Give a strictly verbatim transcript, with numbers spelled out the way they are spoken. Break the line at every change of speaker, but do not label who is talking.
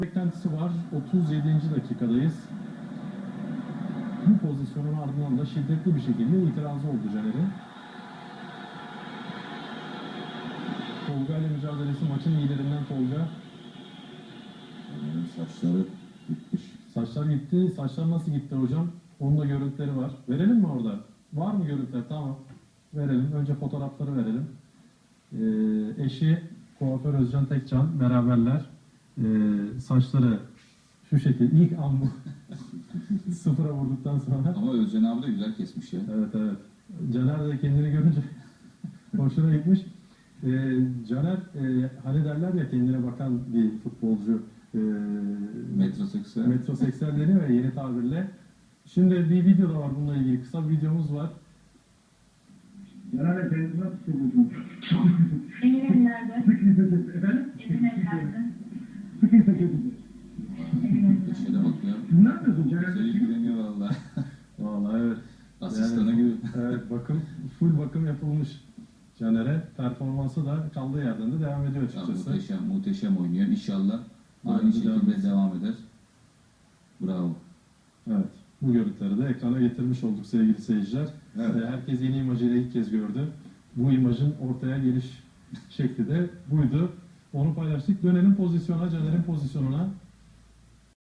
Beklentisi var. otuz yedinci dakikadayız. Bu pozisyonun ardından da şiddetli bir şekilde itirazı oldu Caner'in. Tolga ile mücadelesi maçın liderinden Tolga.
Yani saçları gitmiş.
Saçlar gitti. Saçlar nasıl gitti hocam? Onun da görüntüleri var. Verelim mi orada? Var mı görüntüler? Tamam. Verelim. Önce fotoğrafları verelim. Ee, eşi kuaför Özcan Tekcan beraberler. Ee, saçları şu şekilde. İlk an bu. Sıfıra vurduktan sonra.
Ama Özcan abi de güzel kesmiş ya.
Evet evet. Caner de kendini görünce hoşuna gitmiş. Ee, Caner e, hani derler ya kendine bakan bir futbolcu. E,
Metroseksüel.
metroseksüel deniyor ya yeni tabirle. Şimdi bir video da var bununla ilgili. Kısa bir videomuz var.
Caner'le kendini nasıl hissediyorsun?
Emin nerede?
Efendim?
Emin nerede?
Sıkıysa kötüdür.
Eşe de bak ya.
Ne yapıyorsun Caner?
Güzel ilgileniyor valla.
Vallahi evet.
Asistana
Yani,
gibi.
evet bakım, full bakım yapılmış Caner'e. Performansı da kaldığı yerden de devam ediyor
Ya,
açıkçası.
muhteşem, muhteşem oynuyor. İnşallah
Böyle
aynı
devam
şekilde
etsin.
devam eder. Bravo.
Evet. Bu görüntüleri de ekrana getirmiş olduk sevgili seyirciler.
Evet.
Ee, Herkes yeni imajıyla ilk kez gördü. Bu imajın ortaya geliş şekli de buydu. Onu paylaştık. Dönelim pozisyona, Caner'in pozisyonuna.